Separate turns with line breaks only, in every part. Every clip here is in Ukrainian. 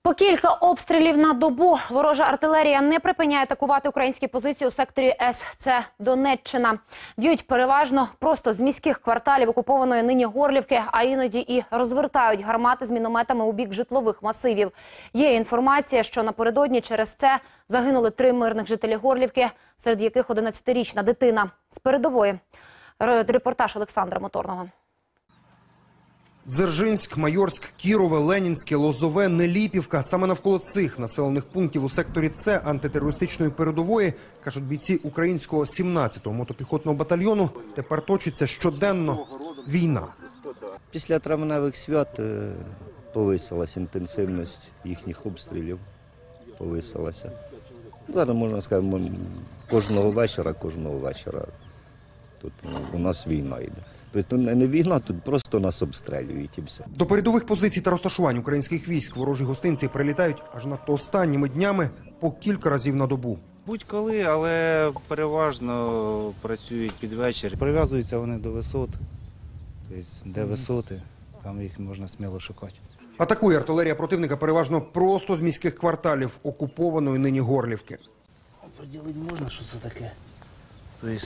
По кілька обстрілів на добу. Ворожа артилерія не припиняє атакувати українські позиції у секторі С. Це Донеччина. Б'ють переважно просто з міських кварталів окупованої нині Горлівки, а іноді і розвертають гармати з мінометами у бік житлових масивів. Є інформація, що напередодні через це загинули 3 мирних жителі Горлівки, серед яких 11-річна дитина. З передової репортаж Олександра Моторного.
Дзержинськ, Майорськ, Кірове, Ленінське, Лозове, Неліпівка. Саме навколо цих населених пунктів у секторі С антитерористичної передової, кажуть бійці українського 17-го мотопіхотного батальйону, тепер точиться щоденно війна.
Після травневих свят повисилася інтенсивність їхніх обстрілів. Повисилася. Зараз, можна сказати, кожного вечора тут у нас війна йде. Тобто не війна, тут просто нас обстрілюють і все.
До передових позицій та розташувань українських військ ворожі гостинці прилітають аж надто останніми днями по кілька разів на добу.
Будь-коли, але переважно працюють під вечір. Прив'язуються вони до висот, тобто де висоти, там їх можна сміло шукати.
Атакує артилерія противника переважно просто з міських кварталів окупованої нині Горлівки.
Поділити можна, що це таке? Тобто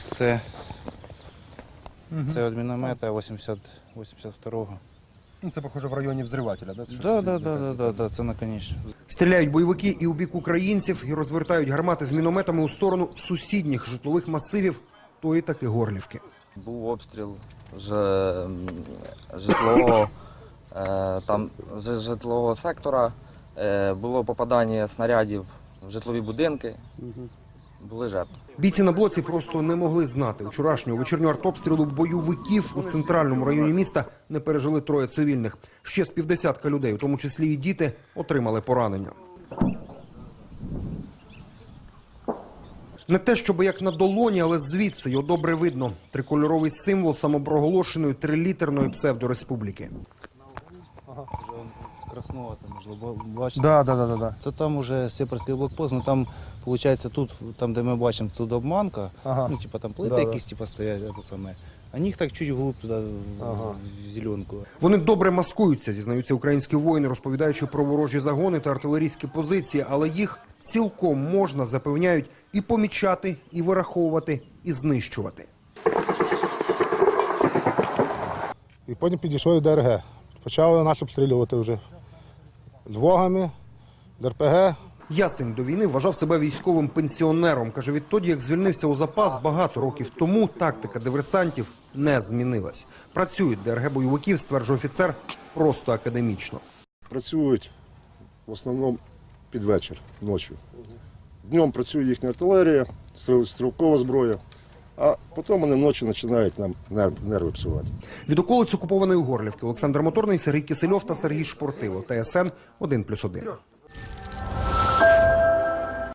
це від міномета 82-го.
Це, похоже, в районі взривателя, да?
Так, це наконечно.
Стріляють бойовики і у бік українців, і розвертають гармати з мінометами у сторону сусідніх житлових масивів тої таки Горлівки.
Був обстріл житлового сектора, було попадання снарядів в житлові будинки, були жертви.
Бійці на блоці просто не могли знати. Вчорашнього вечірнього артобстрілу бойовиків у центральному районі міста не пережили 3 цивільних. Ще з 50 людей, у тому числі і діти, отримали поранення. Не те, щоб як на долоні, але звідси його добре видно. Трикольоровий символ самопроголошеної 3-літерної псевдореспубліки.
Краснова, можливо, бачите?
Да.
Це там уже сепарський блокпост, ну там, виходить, тут, там де ми бачимо, тут обманка, ну, типа там плити якісь стоять, це саме. А них так чуть вглубь туди, в зеленку.
Вони добре маскуються, зізнаються українські воїни, розповідаючи про ворожі загони та артилерійські позиції, але їх цілком можна, запевняють, і помічати, і вираховувати, і знищувати.
І потім підійшли до ДРГ. Почали нас обстрілювати вже з вогами, з РПГ.
Ясень до війни вважав себе військовим пенсіонером. Каже, відтоді, як звільнився у запас багато років тому, тактика диверсантів не змінилась. Працюють ДРГ-бойовиків, стверджує офіцер, просто академічно.
Працюють в основному під вечір, ночі. Днем працює їхня артилерія, стрілкова зброя, а потім вони вночі починають нам нерви псувати.
Від околиць окупованої Горлівки Олександр Моторний, Сергій Кисельов та Сергій Шпортило. ТСН 1+1.